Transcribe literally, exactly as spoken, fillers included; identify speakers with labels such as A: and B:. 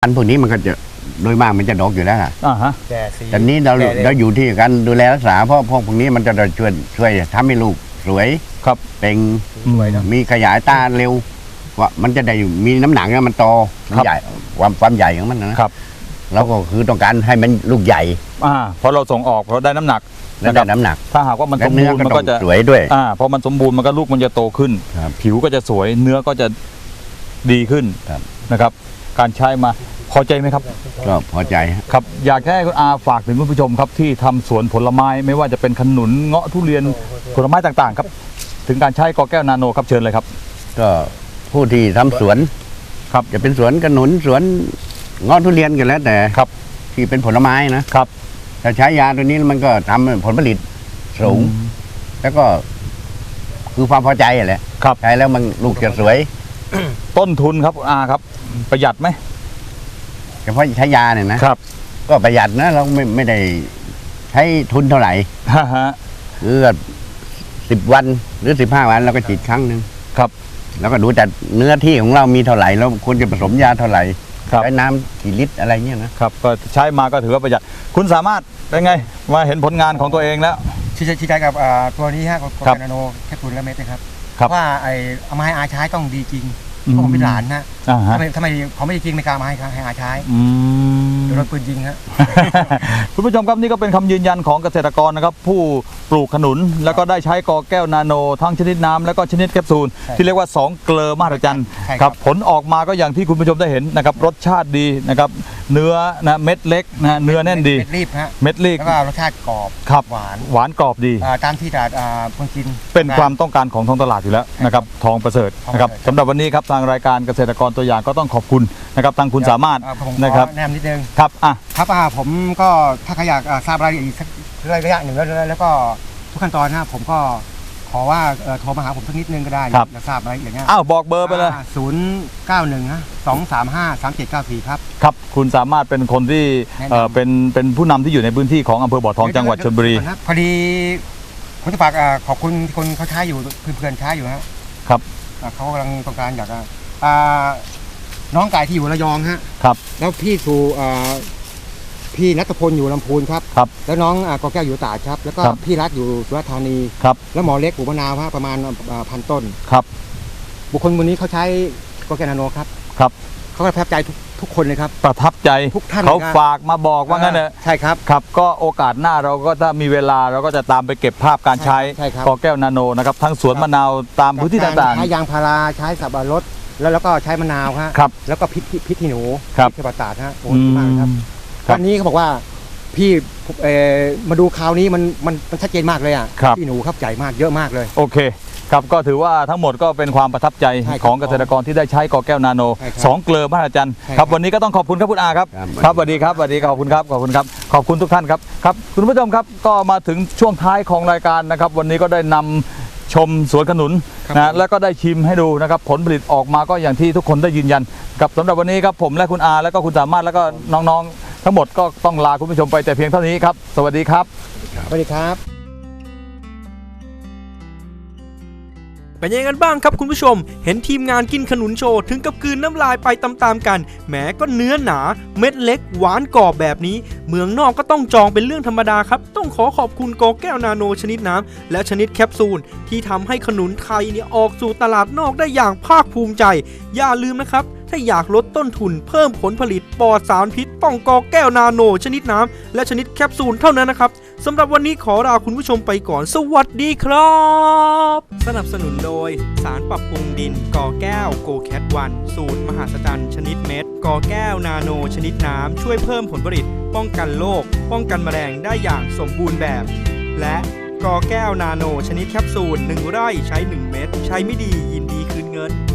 A: อันพวกนี้มันก็จะโดยมากมันจะดกอยู่แล้วค่ะ
B: อ่าฮะ
A: แต่นี้เราเราอยู่ที่การดูแลรักษาเพราะพวกพวกนี้มันจะช่วยช่วยทำให้ลูกสวย
B: ครับ
A: เป่ง
B: สวยนะ
A: มีขยายตาเร็วว่ามันจะได้มีน้ำหนักมันโตใหญ่ความความใหญ่ของมันนะครับเราก็คือต้องการให้มันลูกใหญ่
B: อ่าเพราะเราส่งออกเพราะได้น้ำหนัก
A: และได้น้ำหนัก
B: ถ้าหากว่ามันสมบูรณ์มันก็จะ
A: สวยด้วย
B: อ่าพอมันสมบูรณ์มันก็ลูกมันจะโตขึ้นผิวก็จะสวยเนื้อก็จะดีขึ้นนะครับ การใช้มาพอใจไหมครับ
A: ก็พอใจ
B: ครับอยากให้คุณอาฝากถึงคุณผู้ชมครับที่ทำสวนผลไม้ไม่ว่าจะเป็นขนุนเงาะทุเรียนผลไม้ต่างๆครับถึงการใช้กอแก้วนาโนครับเชิญเลยครับ
A: ก็ผู้ที่ทำสวน
B: ครับ
A: จะเป็นสวนขนุนสวนเงาะทุเรียนกันแล้วแต่
B: ครับ
A: ที่เป็นผลไม้นะครับถ้าใช้ยาตัวนี้มันก็ทำผลผลิตสูงแล้วก็คือความพอใจแหละ
B: ครับ
A: ใช้แล้วมันลูกจะสวย
B: ต้นทุนครับอาครับประหยัดไหม
A: เฉพาะใช้ยาเนี่ยนะครับก็ประหยัดนะเราไม่ไม่ได้ใช้ทุนเท่าไหร่คือสิบวันหรือสิบห้าวันเราก็ฉีดครั้งหนึ่ง
B: ครับ
A: แล้วก็ดูแต่เนื้อที่ของเรามีเท่าไหร่แล้วควรจะผสมยาเท่าไหร่ใช้น้ำกี่ลิตรอะไรเงี้ยนะครับ
B: ก็ใช้มาก็ถือว่าประหยัดคุณสามารถเป็นไงว่าเห็นผลงานของตัวเองแล้ว
C: ชี้ชี้ใจกับตัวนี้ฮะโกแก้วนาโนแคปซูลและเม็ดนะครับว่าไอ้เอามาให้อาใช้ต้องดีจริงเพราะผมเป็นหลานนะทำไมทำไมเขาไม่จริงไม่กล้ามาให้ให้อาใช้โดนปืนยิงครับ
B: คุณผู้ชมครับนี่ก็เป็นคำยืนยันของเกษตรกรนะครับผู้ปลูกขนุนแล้วก็ได้ใช้กอแก้วนาโนทั้งชนิดน้ำแล้วก็ชนิดแคปซูลที่เรียกว่าสองเกลือมหัศจรรย์ครับผลออกมาก็อย่างที่คุณผู้ชมได้เห็นนะครับรสชาติดีนะครับเนื้อนะเม็ดเล็กนะเนื้อแน่นดี
C: เม็ดรีบฮะ
B: เม็ดรีบ
C: แล้วก็รสชาติกรอบ
B: ครับ
C: หวาน
B: หวานกรอบดี
C: ตามที่ตลาดคนกิน
B: เป็นความต้องการของท้องตลาดอยู่แล้วนะครับทองประเสริฐนะครับสำหรับวันนี้ครับทางรายการเกษตรกรตัวอย่างก็ต้องขอบคุณนะครับทางคุณสามารถนะครับ
C: แนมนิดนึง
B: ครับอ่ะ
C: ครับอ่าผมก็ถ้าใครอยากทราบรายละเอียดอีกสักระยะหนึ่งแล้วแล้วก็ทุกขั้นตอนนะผมก็ขอว่าโทรมาหาผมสักนิดนึงก็ได้อยากทราบรายละเอียดเนี่ย
B: อ้าวบอกเบอร์ไปเลย
C: ศูนย์เก้าหนึ่งสองสามห้าสามเจ็ดเก้าสี่ครับ
B: ครับคุณสามารถเป็นคนที่เป็นเป็นผู้นำที่อยู่ในพื้นที่ของอำเภอบ่อทองจังหวัดชลบุรี
C: พอดีผมจะฝากขอบคุณคนเขาใช้อยู่เพื่อนๆใช้อยู่ฮะ
B: ครับ
C: เขากำลังต้องการอยากน้องไก่ที่อยู่ระยองฮะ
B: ครับ
C: แล้วพี่สู่พี่นัทพลอยู่ลำพูนครับ
B: ครับ
C: แล้วน้องกอแก้วอยู่ตราดครับแล้วก็พี่รัฐอยู่สุราษฎร์ธานี
B: ครับ
C: แล้วหมอเล็กปลูกมะนาวฮะประมาณพันต้น
B: ครับ
C: บุคคลคนนี้เขาใช้กอแก้วนาโนครับ
B: ครับ
C: เขาประทับใจทุกทุกคนเลยครับ
B: ประทับใจ
C: ทุกท่าน
B: เขาฝากมาบอกว่างั้นเนอะ
C: ใช่ครับ
B: ครับก็โอกาสหน้าเราก็ถ้ามีเวลาเราก็จะตามไปเก็บภาพการใช้กอแก้วนาโนนะครับทั้งสวนมะนาวตามพื้นที่ต่างๆ
C: ใช้ยางพาราใช้สับปะรดแล้วแล้วก็ใช้มะนาว
B: ครับ
C: แล้วก็พริกพริกขี้หนู
B: ครับ
C: ที่ประสาทฮะโอ้ดีมากครับวันนี้เขาบอกว่าพี่มาดูคราวนี้มันมันมันชัดเจนมากเลยอ่ะพี่หนูครับใหญ่มากเยอะมากเลย
B: โอเคครับก็ถือว่าทั้งหมดก็เป็นความประทับใจของเกษตรกรที่ได้ใช้กอแก้วนาโนสองเกลือมหัศจรรย์ครับวันนี้ก็ต้องขอบคุณครับคุณอาครับครับสวัสดีครับสวัสดีขอบคุณครับขอบคุณครับขอบคุณทุกท่านครับครับคุณผู้ชมครับก็มาถึงช่วงท้ายของรายการนะครับวันนี้ก็ได้นำชมสวนขนุนนะแล้วก็ได้ชิมให้ดูนะครับผลผลิตออกมาก็อย่างที่ทุกคนได้ยืนยันครับสำหรับวันนี้ครับผมและคุณอาแล้วก็คุณสามารถแล้วก็น้องๆทั้งหมดก็ต้องลาคุณผู้ชมไปแต่เพียงเท่านี้ครับสวัสดีครับ
C: สวัสดีครับ
D: เป็นยังไงกันบ้างครับคุณผู้ชมเห็นทีมงานกินขนุนโชว์ถึงกับกลืนน้ำลายไปตามๆกันแหมก็เนื้อหนาเม็ดเล็กหวานกรอบแบบนี้เมืองนอกก็ต้องจองเป็นเรื่องธรรมดาครับต้องขอขอบคุณกอแก้วนาโนชนิดน้ำและชนิดแคปซูลที่ทำให้ขนุนไทยเนี่ยออกสู่ตลาดนอกได้อย่างภาคภูมิใจอย่าลืมนะครับถ้าอยากลดต้นทุนเพิ่มผลผลิตปลอดสารพิษต้องกอแก้วนาโนชนิดน้ำและชนิดแคปซูลเท่านั้นนะครับสำหรับวันนี้ขอลาคุณผู้ชมไปก่อนสวัสดีครับสนับสนุนโดยสารปรับปรุงดินกอแก้วโกแคทวันสูตรมหาศจรรย์ชนิดเม็ดกอแก้วนาโนชนิดน้ำช่วยเพิ่มผลผลิตป้องกันโรคป้องกันแมลงได้อย่างสมบูรณ์แบบและกอแก้วนาโนชนิดแคปซูลหนึ่งไร่ใช้หนึ่งเม็ดใช้ไม่ดียินดีคืนเงิน